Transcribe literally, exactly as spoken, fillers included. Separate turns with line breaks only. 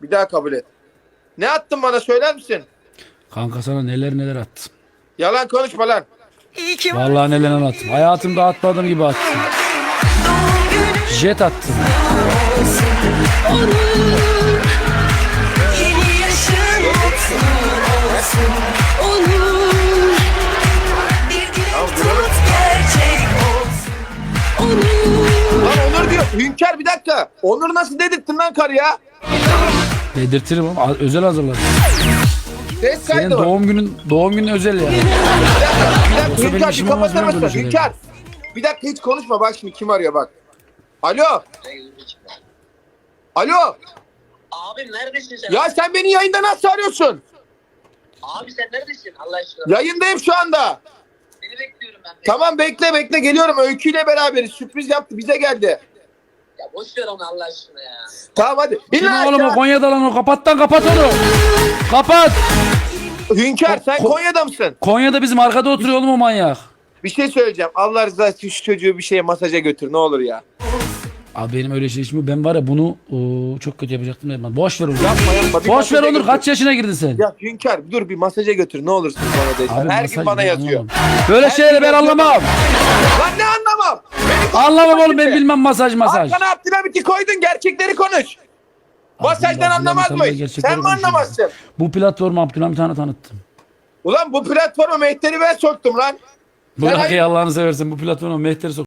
Bir daha kabul et. Ne attın bana söyler misin?
Kanka sana neler neler attım.
Yalan konuşma lan.
Vallahi neler neler attım. Hayatımda atmadığım gibi attım. Jet attım.
Yeni yaşın olsun, olur. Bir dilek tut gerçek olsun, olur.
Lan Onur diyor. Hünkar bir dakika. Onur nasıl dedirttin lan karıya?
Dedirtirim ama özel hazırladım.
Ses
Senin
kaydı var.
doğum günün doğum günün özel yani.
Bir dakika
Yoksa benim
Hünkar bir
işim
kapatır
olmaz,
mısın?
böyle şeyler.
Hünkar. Bir dakika hiç konuşma bak şimdi kim arıyor bak. Alo. Alo.
Abi neredesin sen?
Ya sen beni yayında nasıl arıyorsun?
Abi sen neredesin Allah aşkına?
Yayındayım şu anda.
Seni bekliyorum ben.
Tamam bekle bekle geliyorum. Öykü ile beraberiz. Sürpriz yaptı bize geldi.
Ya boş ver onu Allah aşkına ya.
Tamam hadi.
Kim
İlla
oğlum o
aşağı.
Konya'da lan o kapattan kapat onu. Kapat.
Hünkar sen
Ko-
Konya'da mısın?
Konya'da bizim arkada oturuyor oğlum o manyak.
Bir şey söyleyeceğim. Allah rızası için şu çocuğu bir şeye masaja götür ne olur ya.
Abi benim öyle şey işim yok. Ben var ya bunu ıı, çok kötü yapacaktım. Yapma. Boş ver onu.
Yapma yapma. Bir
Boş ver
masaja
Onur.
götür.
Kaç yaşına girdin sen?
Ya Hünkar dur bir masaja götür ne olursun bana de.
Abi
Her
masaj
gün bana
ben
yazıyor.
anlamam. Böyle
Her
şeyleri
gün
ben
yazıyor.
anlamam.
Lan ne anlamam? Beni
Anlamam oğlum ben
şimdi.
bilmem masaj masaj.
Arkana Abdülhamit'i koydun gerçekleri konuş. Masajdan
Abdülhamit
anlamaz
Hanım'la
mıyız?
gerçekleri
Sen mi
konuşuyorum.
anlamazsın?
Bu platformu Abdülhamit Han'a tanıttım.
Ulan bu platforma Mehter'i ben soktum lan.
Bırak
hayır-
ya Allah'ını seversen bu platforma Mehter'i sok.